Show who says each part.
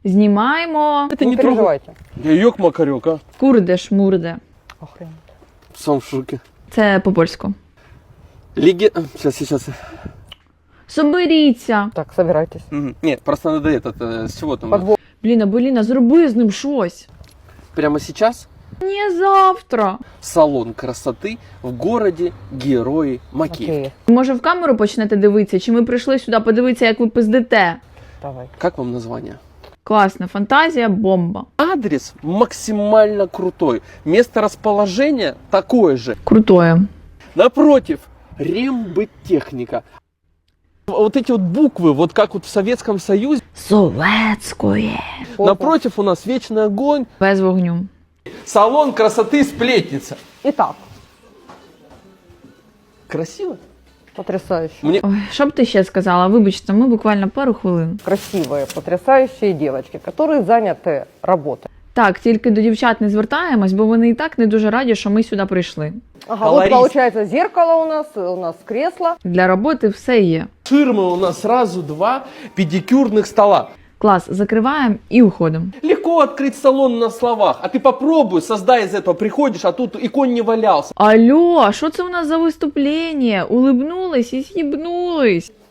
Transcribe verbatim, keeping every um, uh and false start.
Speaker 1: Знімаємо.
Speaker 2: Это
Speaker 3: Не
Speaker 2: не трогай.
Speaker 3: переживайте.
Speaker 2: Я ёк-макарёк, а.
Speaker 1: Курде-шмурде.
Speaker 3: Охренеть.
Speaker 2: Сам в шоке.
Speaker 1: Це по-польську.
Speaker 2: Лиги... Сейчас, сейчас.
Speaker 1: Соберіться.
Speaker 3: Так, собирайтесь.
Speaker 2: Мгм. Нет, просто надо этот, э, с чего там?
Speaker 3: Подвод.
Speaker 1: Блін, Абеліна, зроби з ним щось.
Speaker 2: Прямо сейчас
Speaker 1: Не завтра.
Speaker 2: салон красоты в городе Герои Макеев.
Speaker 3: Окей,
Speaker 1: Може в камеру почнете дивитися, чи ми прийшли сюди подивитися, як ви пиздите?
Speaker 3: давай.
Speaker 2: Как вам название?
Speaker 1: Класна фантазія, бомба.
Speaker 2: Адрес максимально крутой. Место расположения такое же.
Speaker 1: Крутое.
Speaker 2: Напротив, рембыттехника. Вот эти вот буквы, вот как вот в Советском Союзе.
Speaker 1: Советської.
Speaker 3: Опа.
Speaker 2: Напротив у нас вечный огонь.
Speaker 1: Без вогню.
Speaker 2: Салон красоты сплетница.
Speaker 3: Итак,
Speaker 2: Красиво?
Speaker 3: потрясающе.
Speaker 2: Мне
Speaker 1: Ой, що б ти ще сказала? Вибачте, ми буквально пару хвилин.
Speaker 3: Красивые, потрясающие девочки, которые заняты работой.
Speaker 1: Так, тільки до дівчат не звертаємось, бо вони і так не дуже раді, що ми сюди прийшли.
Speaker 3: Ага,
Speaker 2: Колорист.
Speaker 3: вот получается зеркало у нас, у нас кресло.
Speaker 1: Для роботи все є.
Speaker 2: ширмы у нас сразу два педикюрных стола.
Speaker 1: Клас, закриваємо і уходимо.
Speaker 2: Легко открыть салон на словах, а ты попробуй, создай из этого, приходишь, а тут и конь не валялся.
Speaker 1: Алло, а що це у нас за виступлення? Улибнулись і з'їбнулись.